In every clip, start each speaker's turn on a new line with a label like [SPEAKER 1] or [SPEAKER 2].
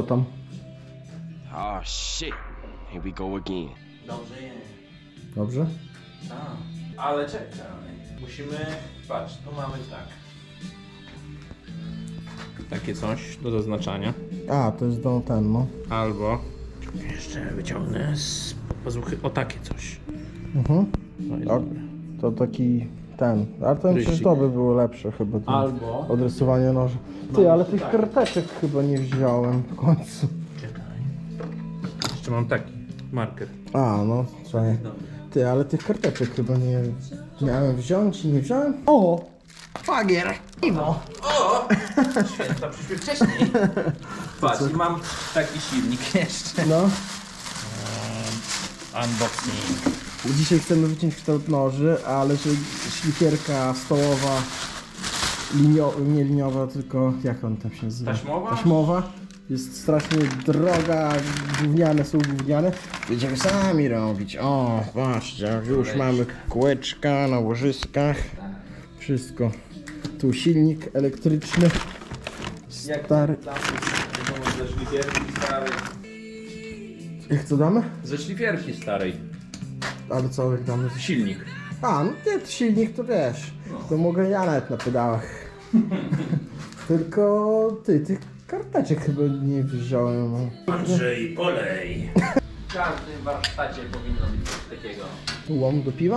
[SPEAKER 1] Co tam?
[SPEAKER 2] Oh shit. Here we go again.
[SPEAKER 3] Dobrze je.
[SPEAKER 1] Dobrze?
[SPEAKER 3] Tak. Ale czekaj. Musimy... Patrz, tu mamy tak. Takie coś do zaznaczania.
[SPEAKER 1] A, to jest do ten, no.
[SPEAKER 3] Albo... Jeszcze wyciągnę z pazuchy. O, takie coś.
[SPEAKER 1] Mhm.
[SPEAKER 3] No i
[SPEAKER 1] A,
[SPEAKER 3] dobre.
[SPEAKER 1] to taki ten. Ale ten przecież
[SPEAKER 3] Rysik.
[SPEAKER 1] to by było lepsze chyba. ten
[SPEAKER 3] Albo...
[SPEAKER 1] Odrysowanie noży. Ty, ale tych karteczek chyba nie wziąłem w końcu.
[SPEAKER 3] Czekaj. Jeszcze mam taki marker.
[SPEAKER 1] A, no, czekaj. Ty, ale tych karteczek chyba nie miałem wziąć i nie wziąłem. O! Fagier! Piwo!
[SPEAKER 3] Święta przyszły wcześniej. Patrz, i mam taki silnik jeszcze.
[SPEAKER 1] No.
[SPEAKER 3] Unboxing.
[SPEAKER 1] Dzisiaj chcemy wyciąć kształt noży, ale że szlifierka stołowa, nie liniowa, tylko jak on tam się nazywa?
[SPEAKER 3] Taśmowa?
[SPEAKER 1] Taśmowa. Jest strasznie droga, gówniane są gówniane. Będziemy sami robić. O, patrzcie, już mamy kółeczka na łożyskach. Wszystko. Tu silnik elektryczny. Stary.
[SPEAKER 3] Ze szlifierki starej.
[SPEAKER 1] Jak co damy?
[SPEAKER 3] Ze szlifierki starej.
[SPEAKER 1] Ale co, jak damy?
[SPEAKER 3] Silnik.
[SPEAKER 1] A, no nie, to silnik to wiesz. To mogę ja nawet na pedałach. Tylko tych karteczek chyba nie wziąłem. No.
[SPEAKER 3] Andrzej, polej. W każdym warsztacie powinno być coś takiego.
[SPEAKER 1] Łom do piwa?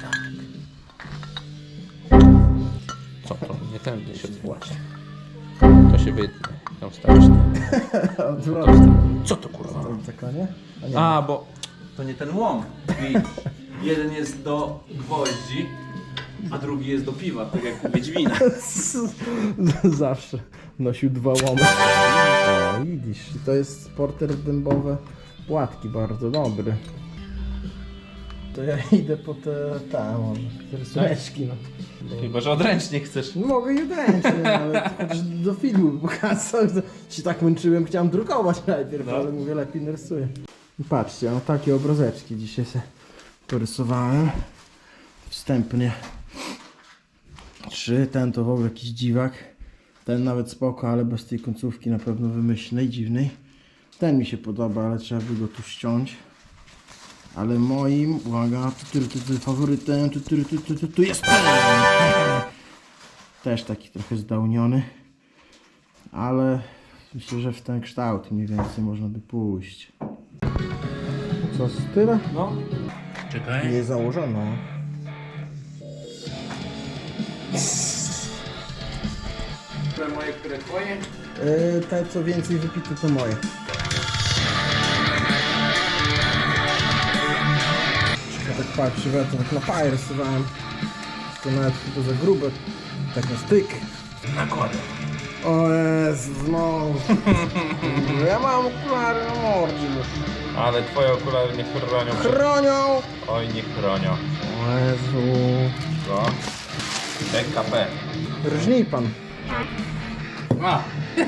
[SPEAKER 3] Co to? Nie tędy się właśnie. To się wytnie. Tam stawisz.
[SPEAKER 1] Odwrotnie.
[SPEAKER 3] Co to kurwa?
[SPEAKER 1] Taka, nie? A nie.
[SPEAKER 3] A, bo to nie ten łom. Jeden jest do gwoździ, a drugi jest do piwa, tak jak u Wiedźmina.
[SPEAKER 1] Zawsze nosił dwa łomy. O, widzisz, to jest porter dębowe płatki, bardzo dobry. To ja idę po te może, te rysuneczki, no.
[SPEAKER 3] Chyba, że odręcznie chcesz.
[SPEAKER 1] No mogę je ręcznie, ale chociaż do filmu pokazać, to się tak męczyłem, chciałem drukować najpierw, ale mówię, lepiej narysuję. I patrzcie, no takie obrazeczki dzisiaj sobie porysowałem. Wstępnie. 3, ten to w ogóle jakiś dziwak. Ten nawet spoko, ale bez tej końcówki na pewno wymyślnej, dziwnej. Ten mi się podoba, ale trzeba by go tu ściąć. Ale moim, uwaga, faworytem, tu jest ten! Też taki trochę zdałniony. Ale myślę, że w ten kształt mniej więcej można by pójść. Co, z tyle?
[SPEAKER 3] No. Czekaj.
[SPEAKER 1] Nie założono.
[SPEAKER 3] Które moje, które twoje?
[SPEAKER 1] Te co więcej wypite to moje. Ja tak patrzę, że ja to tak na paję rysowałem. To nawet chyba za grube. Tak na styk.
[SPEAKER 3] Nakładam.
[SPEAKER 1] O Jezu, no. Ja mam okulary na mordzie.
[SPEAKER 3] Ale twoje okulary nie chronią.
[SPEAKER 1] Chronią!
[SPEAKER 3] Oj, nie chronią.
[SPEAKER 1] O Jezu.
[SPEAKER 3] Co? PKP.
[SPEAKER 1] Rżnij pan.
[SPEAKER 3] A!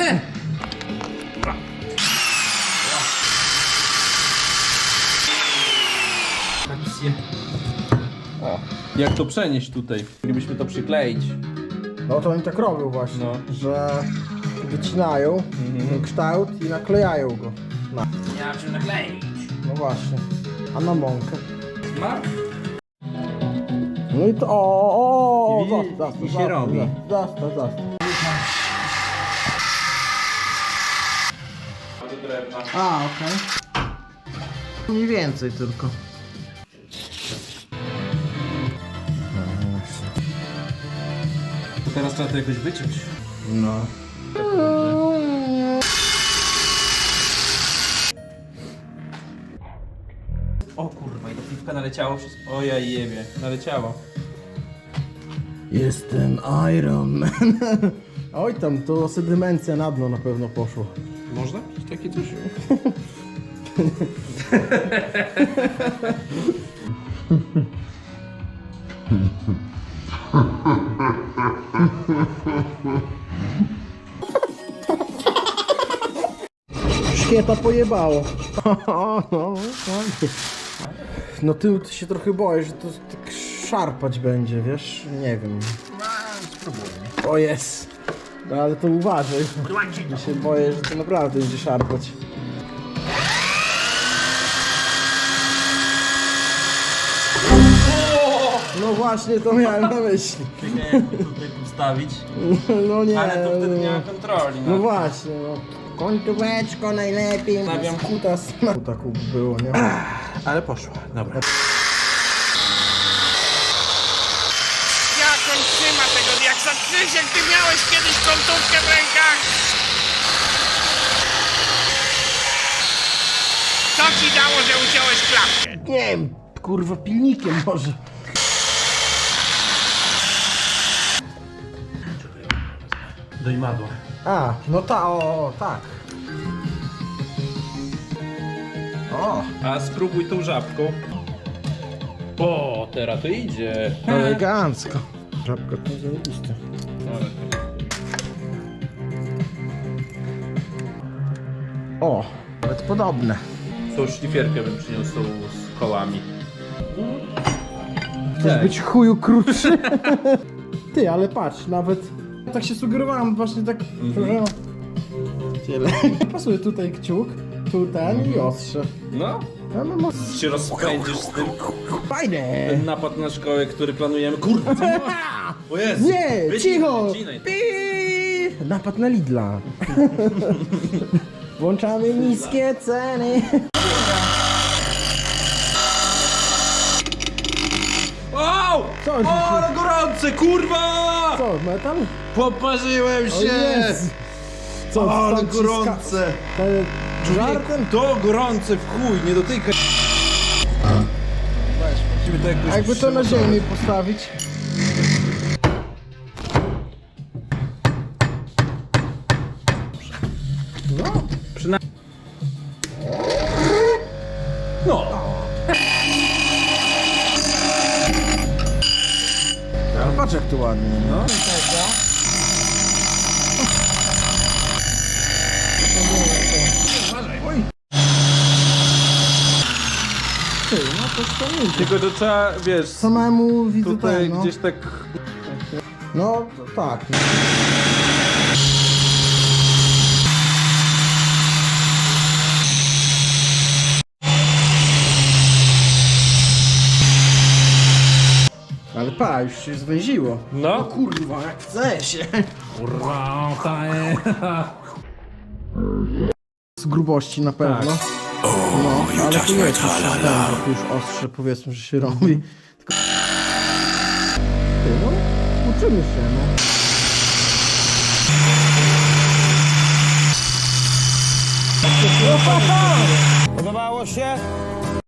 [SPEAKER 3] O, jak to przenieść tutaj? Moglibyśmy to przykleić.
[SPEAKER 1] No to oni tak robią właśnie,
[SPEAKER 3] No.
[SPEAKER 1] że wycinają ten kształt i naklejają go.
[SPEAKER 3] Nie ma czym nakleić.
[SPEAKER 1] No właśnie. A na mąkę.
[SPEAKER 3] Smart?
[SPEAKER 1] No i to o,
[SPEAKER 3] I
[SPEAKER 1] zostaw,
[SPEAKER 3] i się robi.
[SPEAKER 1] Zostaw.
[SPEAKER 3] Do drewna.
[SPEAKER 1] A, okej. Mniej więcej tylko.
[SPEAKER 3] To teraz trzeba to jakoś wyciąć.
[SPEAKER 1] No.
[SPEAKER 3] O kurwa, i do piwka naleciało wszystko. O ja jebie, naleciało.
[SPEAKER 1] Jestem Iron Man. Oj tam, to sedymencja na dno na pewno poszło.
[SPEAKER 3] Można? Takie coś?
[SPEAKER 1] Szkieta pojebało. No ty się trochę boję, że to tak szarpać będzie, wiesz? Nie wiem.
[SPEAKER 3] Spróbujmy.
[SPEAKER 1] O jest. No ale to uważaj. Ja się boję, że to naprawdę będzie szarpać. No właśnie, to miałem na myśli.
[SPEAKER 3] Jakby tutaj postawić.
[SPEAKER 1] No nie.
[SPEAKER 3] Ale to wtedy nie ma kontroli.
[SPEAKER 1] No właśnie, no. Końcóweczko najlepiej.
[SPEAKER 3] Stawiam.
[SPEAKER 1] Kutas. Kutaku było, nie?
[SPEAKER 3] Ale poszło, dobra.
[SPEAKER 4] Jak on trzyma tego diaksa? Krzysiek, ty miałeś kiedyś kątówkę w rękach? Co ci dało, że uciąłeś klapkę?
[SPEAKER 1] Nie wiem, kurwa pilnikiem może.
[SPEAKER 3] Do imadła.
[SPEAKER 1] A, no tak. O,
[SPEAKER 3] A spróbuj tą żabką. O, teraz to idzie.
[SPEAKER 1] elegancko. Żabka to zajebiste. O, nawet podobne.
[SPEAKER 3] Tą szlifierkę bym przyniósł z kołami.
[SPEAKER 1] Chcesz być chuju krótszy? Ty, ale patrz, nawet tak się sugerowałem właśnie tak. Tyle. Pasuje tutaj kciuk, tu ten i ostrze.
[SPEAKER 3] No,
[SPEAKER 1] No, no, no.
[SPEAKER 3] się rozpędzisz z tym.
[SPEAKER 1] Fajne!
[SPEAKER 3] Ten napad na szkołę, który planujemy. Kurwa, co masz? O Jezu.
[SPEAKER 1] Nie,
[SPEAKER 3] Wycinaj,
[SPEAKER 1] cicho!
[SPEAKER 3] wycinaj.
[SPEAKER 1] Pi! Napad na Lidla. Włączamy niskie ceny.
[SPEAKER 3] Wow!
[SPEAKER 1] Co?
[SPEAKER 3] O, ale gorące, kurwa!
[SPEAKER 1] Co, metal?
[SPEAKER 3] Poparzyłem
[SPEAKER 1] O
[SPEAKER 3] się!
[SPEAKER 1] Jezu. Co,
[SPEAKER 3] Ale
[SPEAKER 1] tam ci
[SPEAKER 3] gorące!
[SPEAKER 1] To żartem?
[SPEAKER 3] To gorące w chuj, nie dotykaj! Musimy to jakoś
[SPEAKER 1] A jakby to na
[SPEAKER 3] przygotować.
[SPEAKER 1] ziemi postawić? No.
[SPEAKER 3] No!
[SPEAKER 1] Ale patrz jak to ładnie.
[SPEAKER 3] No.
[SPEAKER 1] Oj. Ty, no to wspomnij.
[SPEAKER 3] Tylko to trzeba, wiesz,
[SPEAKER 1] Samemu widzę
[SPEAKER 3] tutaj
[SPEAKER 1] ten, no.
[SPEAKER 3] gdzieś tak...
[SPEAKER 1] No, to tak. Ale pa, już się zwęziło.
[SPEAKER 3] No.
[SPEAKER 1] Kurwa, jak chce się.
[SPEAKER 3] Kurwa,
[SPEAKER 1] Z grubości na pewno. No, ale tu jest już system, tu już ostrze powiedzmy, że się robi. Tylko... Ty, no, uczymy się, no.
[SPEAKER 5] Podobało się?